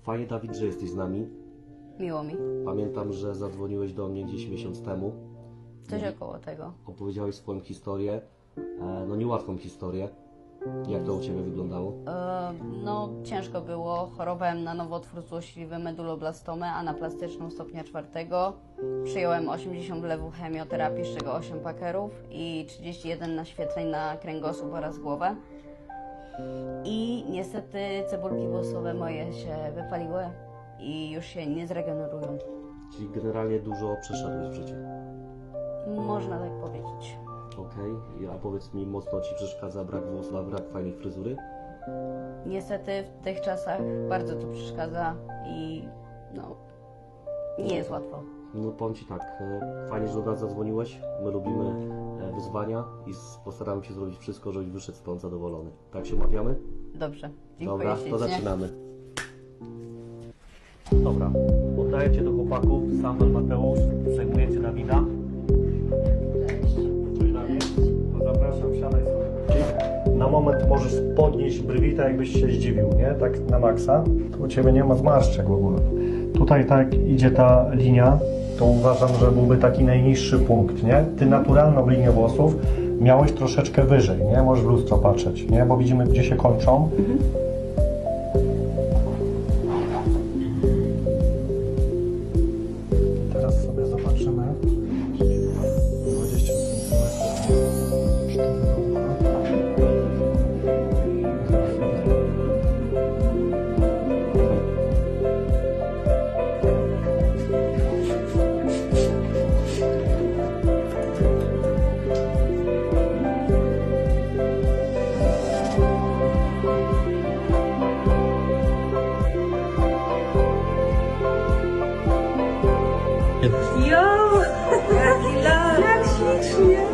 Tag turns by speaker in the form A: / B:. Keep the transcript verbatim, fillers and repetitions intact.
A: Fajnie, Dawid, że jesteś z nami.
B: Miło mi.
A: Pamiętam, że zadzwoniłeś do mnie gdzieś miesiąc temu.
B: Coś około tego.
A: Opowiedziałeś swoją historię, e, no niełatwą historię. Jak to u Ciebie wyglądało?
B: E, no, ciężko było. Chorowałem na nowotwór złośliwy, meduloblastomę, anaplastyczną stopnia czwartego. Przyjąłem osiemdziesiąt wlewów chemioterapii, z czego osiem pakerów i trzydzieści jeden naświetleń na kręgosłup oraz głowę. I niestety cebulki włosowe moje się wypaliły i już się nie zregenerują.
A: Czyli generalnie dużo przeszedłeś w życiu.
B: Można tak powiedzieć.
A: Okej, okay. A powiedz mi, mocno Ci przeszkadza brak włosów, a brak fajnej fryzury?
B: Niestety w tych czasach bardzo to przeszkadza i no, nie jest łatwo.
A: No powiem Ci tak, e, fajnie, że do nas zadzwoniłeś. My lubimy e, wyzwania i s- postaramy się zrobić wszystko, żebyś wyszedł stąd zadowolony. Tak się umawiamy?
B: Dobrze, dziękuję
A: Dobra, to
B: ślicznie.
A: zaczynamy. Dobra, oddaję Cię do chłopaków. Samuel, Mateusz, przejmujecie Dawida.
B: Cześć.
C: Cześć Dawid, to zapraszam, siadaj sobie. Na moment możesz podnieść brwi, tak jakbyś się zdziwił, nie? Tak na maksa. Tu u Ciebie nie ma zmarszczek w ogóle. Tutaj tak idzie ta linia, to uważam, że byłby taki najniższy punkt, nie? Ty naturalną linię włosów miałeś troszeczkę wyżej, nie? Możesz w lustro patrzeć, nie? Bo widzimy, gdzie się kończą. Teraz sobie zobaczymy. dwadzieścia centymetrów. cztery ucha.
D: Jo, jaki lat! Jak ślicznie!